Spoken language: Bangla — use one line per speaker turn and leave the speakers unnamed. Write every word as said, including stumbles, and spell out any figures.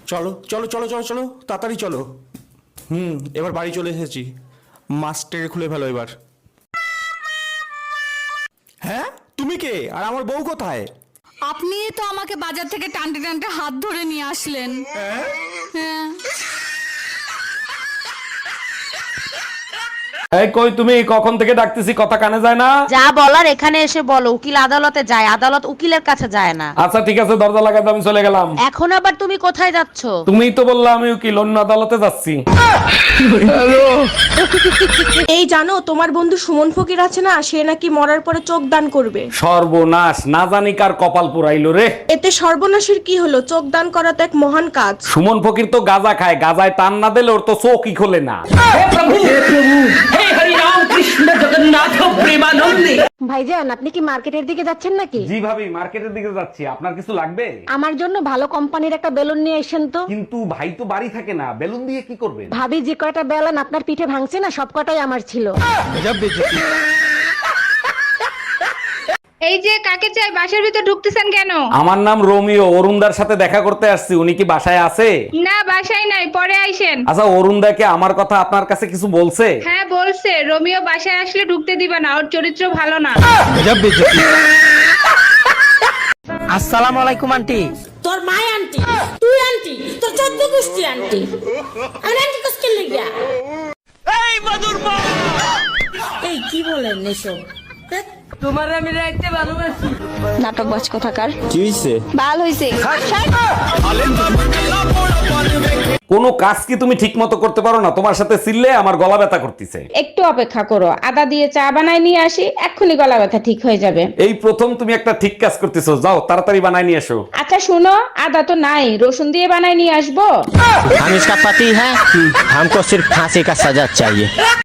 চলো চলো চলো চলো চলো তাড়াতাড়ি চলো। হুম এবার বাড়ি চলে এসেছি, মাস্টার খুলে ফেলো এবার। হ্যাঁ তুমি কে আর আমার বউ কোথায়?
আপনি তো আমাকে বাজার থেকে টানতে টানতে হাত ধরে নিয়ে আসলেন। হ্যাঁ।
এই কই তুমি, কখন থেকে ডাকতেছি কথা কানে যায় না?
যা বলার এখানে এসে বলো। উকিল আদালতে যায়, আদালত উকিলের কাছে যায় না।
আচ্ছা ঠিক আছে, দরজা লাগাতে আমি চলে গেলাম।
এখন আবার তুমি কোথায় যাচ্ছ?
তুমিই তো বললা আমি উকিল, অন্য আদালতে যাচ্ছি।
এই জানো তোমার বন্ধু সুমন ফকির আছে না, সে নাকি মরার পরে চোখ দান করবে।
সর্বনাশ, না জানি কার কপাল পুরাইলো রে।
এতে সর্বনাশের কি হলো? চোখ দান করা তো এক মহান কাজ।
সুমন ফকির তো গাঁজা খায়, গাঁজায় টান না দিলে ওর তো চোখই খোলে না।
ভাইজান আপনি কি মার্কেটের দিকে যাচ্ছেন নাকি?
জি ভাবি, মার্কেটের দিকে যাচ্ছি। আপনার কিছু লাগবে?
আমার জন্য ভালো কোম্পানির একটা বেলুন নিয়ে এসেন তো।
কিন্তু ভাই তো বাড়ি থাকে না, বেলুন দিয়ে কি করবেন?
ভাবি যে কয়টা বেলুন আপনার পিঠে ভাঙছে না, সব কটাই আমার ছিল।
এই যে কাকে চাই, বাসার ভিতর ঢুকতেছেন কেন?
আমার নাম রোমিও, অরুণদার সাথে দেখা করতে আসছি। উনি কি বাসায় আছে?
না বাসায় নাই, পরে আইসেন।
আচ্ছা, অরুণদাকে আমার কথা আপনার কাছে কিছু বলছে?
হ্যাঁ বলছে, রোমিও বাসায় আসলে ঢুকতে দিবা না, ওর চরিত্র ভালো না।
আসসালামু আলাইকুম আন্টি।
তোর মাই আন্টি, তুই আন্টি, তোর চোদ্দ গোষ্ঠী আন্টি। আমি আন্টি কোসকে লেগিয়া
এই মধুর মা,
এই কি বলেন এসব?
তোমার আমি রাইতে ভালোবাসি।
নাটক বাজ কোথাকার।
কি হইছে?
বাল হইছে।
কোনো কাজ কি তুমি ঠিক মতো করতে পারো না? তোমার সাথে চিল্লে আমার গলা ব্যথা করতেছে।
একটু অপেক্ষা করো, আদা দিয়ে চা বানাই নিয়ে আসি, এক্ষুনি গলা ব্যথা ঠিক হয়ে যাবে।
এই প্রথম তুমি একটা ঠিক কাজ করতেছো, যাও তাড়াতাড়ি বানাই নিয়ে এসো।
আচ্ছা শুনো, আদা তো নাই, রসুন দিয়ে বানাই নিয়ে আসবো।
हम इसका पति है, हमको सिर्फ फांसी का सजा चाहिए।